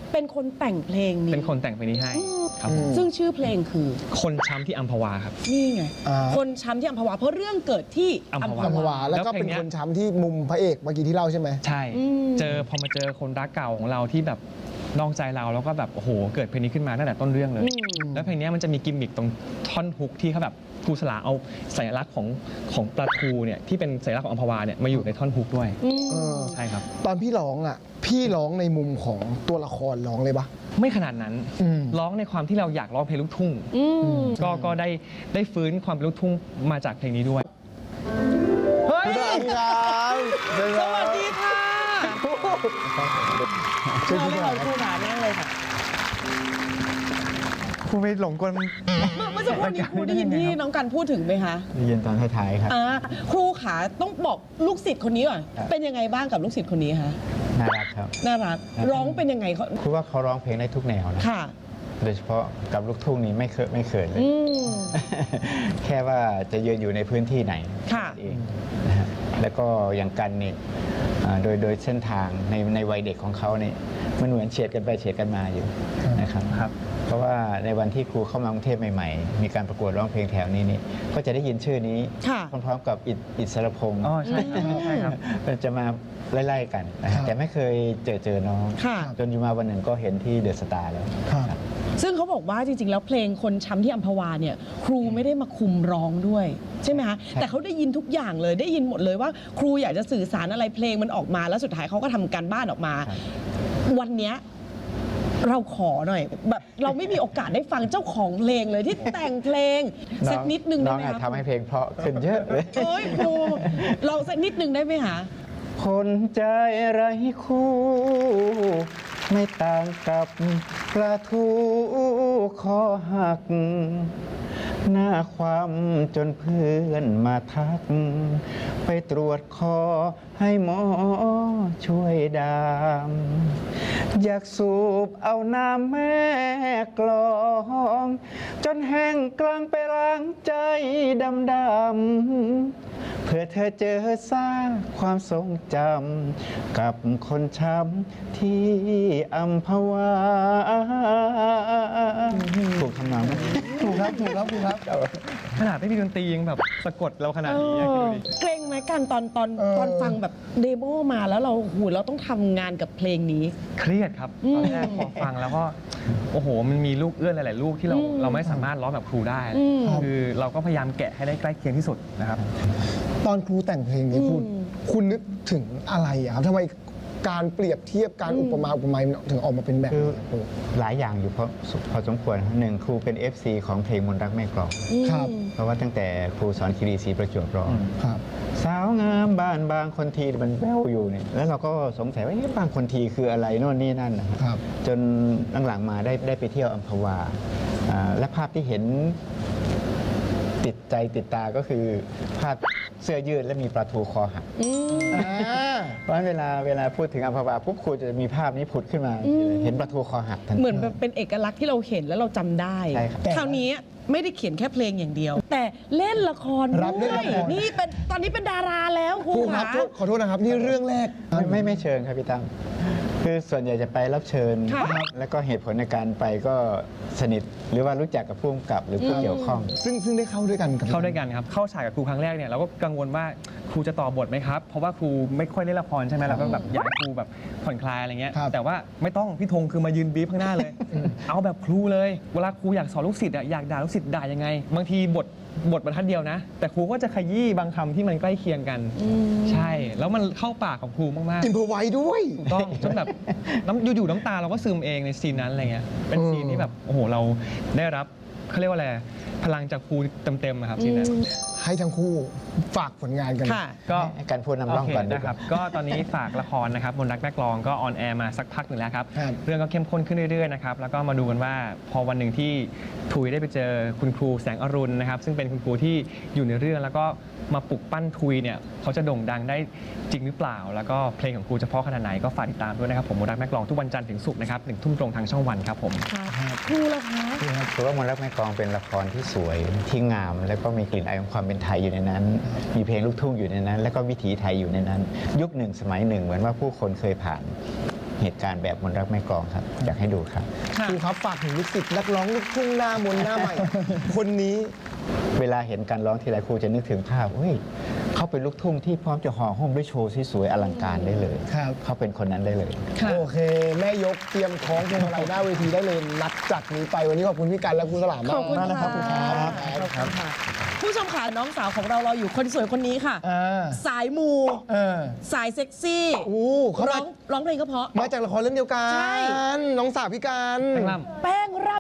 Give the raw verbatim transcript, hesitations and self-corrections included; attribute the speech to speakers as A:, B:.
A: เป็นคนแต่งเพลงนี้
B: เป็นคนแต่งเพลงนี้ให้ครับผม
A: ซึ่งชื่อเพลงคือ
B: คนช้ำที่อัมพวาครับ
A: นี่ไง
C: อ่า
A: คนช้ำที่อัมพวาเพราะเรื่องเกิดที่
B: อัมพวา
C: อัมพวาแล้วก็
B: แล้วเพล
C: เป็น
B: งเนี้ย
C: คนช้ำที่มุมพระเอกเมื่อกี้ที่เล่าใช่ไหม
B: ใช่
A: อืม
B: เจอพอมาเจอคนรักเก่าของเราที่แบบนอกใจเราแล้วก็แบบโอ้โหเกิดเพลงนี้ขึ้นมาตั้งแต่ต้นเรื่องเลย
A: อืม
B: แล้วเพลงนี้มันจะมีกิมมิคตรงท่อนฮุกที่เขาแบบครูสลาเอาสัญลักษณ์ของของปลาทูเนี่ยที่เป็นสัญลักษณ์ของอัมพวาเนี่ยมาอยู่ในท่อนฮุกด้วย
A: อืม
C: เออ
B: ใช่ครับ
C: ตอนพี่ร้องอ่ะ พี่ร้องในมุมของตัวละครร้องเลยปะ
B: ไม่ขนาดนั้น
C: อืม
B: ร้องในความที่เราอยากร้องเพลงลูกทุ่ง
A: อืม
B: ก็ก็ได้ได้ฟื้นความเป็นลูกทุ่งมาจากเพลงนี้ด้วยเฮ้ย
C: สวัสดีครับ
A: สวัสดีค่ะ
C: ช่วย
A: มา
C: พี่
A: เลย
C: หน่
A: ค่ะ
C: อย
A: ครูขานั่งเลยค่ะ
D: ครูไปหลงกล
A: เมื่อเมื่อสักครู่นี้ครูได้ยินที่น้องกันพูดถึงไหมคะ
D: ได้ยินตอนท้ายๆครับ
A: อ่าครูขาต้องบอกลูกศิษย์คนนี้ก่อน
D: ครับ
A: เป็นยังไงบ้างกับลูกศิษย์คนนี้คะ
D: น่ารักครับ
A: น่ารัก
D: ครับ
A: ร้องเป็นยังไงเขา
D: ครูว่าเขาร้องเพลงได้ทุกแนวนะ
A: ค่ะ
D: โดยเฉพาะกับลูกทุ่งนี่ไม่เคยไม่เขินเลย
A: อืม
D: แค่ว่าจะยืนอยู่ในพื้นที่ไหน
A: ค่ะ
D: เองนะฮะแล้วก็อย่างกันนี่อ่าโดยโดยเส้นทางในในวัยเด็กของเขาเนี่ยมันเหมือนเฉียดกันไปเฉียดกันมาอยู่นะครับ
B: ครับ
D: เพราะว่าในวันที่ครูเข้ามากรุงเทพใหม่ๆ มีการประกวดร้องเพลงแถวนี้นี่ก็จะได้ยินชื่อนี้
A: ค่ะ
D: พร้อมๆกับอิฐอิสรพงษ์
B: อ๋อใช่ครับใช่ครับ
D: มันจะมาไล่ๆกันนะ
C: ครั
D: ฮะ
C: บ
D: แต่ไม่เคยเจอเจอน้อง
A: ค่ะ
D: จนอยู่มาวันหนึ่งก็เห็นที่เดอะสตาร์แล้ว
C: ครับ
A: ซึ่งเขาบอกว่าจริงๆ แล้วเพลงคนช้ำที่อัมพวาเนี่ยครูไม่ได้มาคุมร้องด้วย ใช่ไหมคะ
D: ใช่
A: แต่เขาได้ยินทุกอย่างเลยได้ยินหมดเลยว่า ครูอยากจะสื่อสารอะไรเพลงมันออกมา แล้วสุดท้ายเขาก็ทำการบ้านออกมา
D: ครับ
A: วันเนี้ยเราขอหน่อย แบบเราไม่มีโอกาสได้ฟังเจ้าของเพลงเลยที่แต่งเพลงสักนิดนึง
D: น้
A: ได้
D: อง
A: ไหม
D: อาจ
A: คะ
D: ทำให้เพลงเพราะขึ้นเยอะเลย
A: เอ้ยครูลองสักนิดนึงได้ไหมคะ
D: คนใจไร้คู่ ไม่ต่างกับปลาทูคอหัก หน้าความจนเพื่อนมาทัก ไปตรวจคอให้หมอช่วยดาม อยากสูบเอาน้ำแม่กลอง จนแห้งกลางไปล้างใจดำดำเพื่อเธอเจอสร้างความทรงจำกับคนช้ำที่อัมพวาถูกทำนองไหม
C: ถูกครับถูกครับถูกครับ
B: ขนาดไม่มีดนตรียังแบบสะกดเราขนาดนี้อะคิดดูดิ
A: เกรงไหมกันตอนตอน
C: เออ
A: ตอนฟังแบบเดโมมาแล้วเราหูเราต้องทำงานกับเพลงนี้
B: เครียดครับ
A: อืม
B: ตอนแรกพอฟังแล้วก็โอ้โหมันมีลูกเอื้อนหลาย ๆ ลูกที่เรา
A: อืม
B: เราไม่สามารถร้องแบบครูได้
A: อืม
B: คือเราก็พยายามแกะให้ได้ใกล้เคียงที่สุดนะครับ
C: ตอนครูแต่งเพลงนี้คุณ
A: อืม
C: คุณนึกถึงอะไรอะครับทำไมการเปรียบเทียบการ
A: อืม
C: อุปมาอุปไมยมันถึงออกมาเป็นแบบ
D: คือ
C: นี้ครู
D: หลายอย่างอยู่พอพอสมควรหนึ่งครูเป็น เอฟ ซี ของเพลงมนต์รักแม่กลอง
C: ครับ
D: เพราะว่าตั้งแต่ครูสอนคีรีศรีประจวบร้อง
C: ครับ
D: สาวงามบ้านบางคนทีมันแววอยู่เนี่ยแล้วเราก็สงสัยว่าเอ๊ะบางคนทีคืออะไรโน่นนี่นั่นนะฮะ
C: ครับ
D: จนหลังๆมาได้ได้ไปเที่ยวอัมพวาอ่าและภาพที่เห็นติดใจติดตาก็คือภาพเสื้อยืดและมีปลาทูคอหัก
A: อืม
C: อ่า
D: เพราะฉะนั้นเวลาเวลาพูดถึงอัมพวาปุ๊บครูจะมีภาพนี้ผุดขึ้นมา
A: อืม
D: เห็นปลาทูคอหักทันที
A: เหมือนแบบเป็นเอกลักษณ์ที่เราเห็นแล้วเราจำได้
D: ใช่ครับ
A: คราวนี้ไม่ได้เขียนแค่เพลงอย่างเดียว แต่เล่นละคร
C: รับเล่น
A: ด้ว
C: ละ
A: ย
C: คร
A: นี่เป็นตอนนี้เป็นดาราแล้วครู
C: ครูครับ
A: ขา
C: โทษขอโทษนะครับ นี่เรื่องแรก
D: ไม่ไม่ไม่เชิญครับพี่ตั้มคือส่วนใหญ่จะไปรับเชิญ
A: ค่ะ
D: แล้วก็เหตุผลในการไปก็สนิทหรือว่ารู้จักกับผู้กำกับหรือผู้
A: อืม
D: เกี่ยวข้อง
C: ซึ่งซึ่งได้เข้าด้วยกันกับ
B: เข้าด้วยกันครับ เข้าฉากกับครูครั้งแรกเนี่ยเราก็กังวลว่าครูจะต่อบทไหมครับ เพราะว่าครูไม่ค่อยเล่นละครใช่ไหมเราก็แบบอยากให้ครูแบบผ่อนคลายอะไรเงี้ย
C: ครับ
B: แต่ว่าไม่ต้องพี่ธงคือมายืนบีบข้างหน้าเลย เอาแบบครูเลย เวลาครูอยากสอนลูกศิษย์อะอยากด่าลูกศิษย์ด่ายังไง บางทีบทบทบรรทัดเดียวนะ แต่ครูก็จะขยี้บางคำที่มันใกล้เคียงกัน ใช่ แล้วมันเข้าปากของครูมากๆ
C: อินพอไว้ด้วย
B: ถูกต้องจนแบบน้ำอยู่ๆน้ำตาเราก็ซึมเองในซีนนั้นอะไรเงี้ยเป็นซีนที่แบบโอ้โหเราได้รับเขาเรียกว่าอะไรพลังจากครูเต็มๆอะครับซีนนั้น
C: ให้ทั้งคู่ฝากผลงานกัน
A: ค่ะ
B: ก็
D: ให้การพูดนำร่องก่อน
B: โเค
D: ดีกว่า
B: นะครับก็ตอนนี้ฝากละครนะครับมนต์รักนักร้องก็ออนแอร์มาสักพักหนึ่งแล้วครับ
C: ครับ
B: เรื่องก็เข้มข้นขึ้นเรื่อยๆนะครับแล้วก็มาดูกันว่าพอวันหนึ่งที่ทุยได้ไปเจอคุณครูแสงอรุณนะครับซึ่งเป็นคุณครูที่อยู่ในเรื่องแล้วก็มาปลุกปั้นทุยเนี่ยเขาจะโด่งดังได้จริงหรือเปล่า แล้วก็เพลงของครูจะเพราะขนาดไหนก็ฝากติดตามด้วยนะครับผมมนต์รักนักร้องทุกวันจันทร์ถึงศุกร์นะครับหนึ่งทุ่มตรงทางช่องวันครับผม
A: ครูละคะ
D: ถือว่ามนต์รักแม่กลองเป็นละครที่สวยที่งาม แล้วก็มีกลิ่นอายของความเป็นไทยอยู่ในนั้น มีเพลงลูกทุ่งอยู่ในนั้น แล้วก็วิถีไทยอยู่ในนั้น ยุคหนึ่งสมัยหนึ่งเหมือนว่าผู้คนเคยผ่านเหตุการณ์แบบมนต์รักแม่กลองครับ อยากให้ดูครับ
A: ค่ะ
C: ครูครับฝากถึงลูกศิษย์นักร้องลูกทุ่งหน้ามนต์หน้าใหม่ คนนี้
D: เวลาเห็นการร้องทีไรครูจะนึกถึงภาพเฮ้ยเขาเป็นลูกทุ่งที่พร้อมจะห่อหุ้มด้วยโชว์สวยๆอลังการได้เลย
C: ครับ
D: เขาเป็นคนนั้นได้เลย
A: ค่ะ
C: โอเค แม่ยกเตรียมคล้องพวงมาลัยหน้าเวทีได้เลยนัดจากนี้ไปวันนี้ขอบคุณพี่กันและครูสลามมาก
A: ขอบคุณ
C: มากนะครับ
A: ค่ะ
C: ขอบคุณครับ
A: ขอบคุณค่ะ ผู้ชมค่ะน้องสาวของเรารออยู่คนสวยคนนี้ค่ะ
C: อ่า
A: สายมู
C: เออ
A: สายเซ็กซี่
C: อู้เขา
A: ร้
C: มา
A: องร้องเพลงก็เพราะ
C: มาจากละครเรื่องเดียวกั
A: ใช่
C: นน้องสาวพี่กัน
B: แป้งล่ำ
A: แป้งร่ำ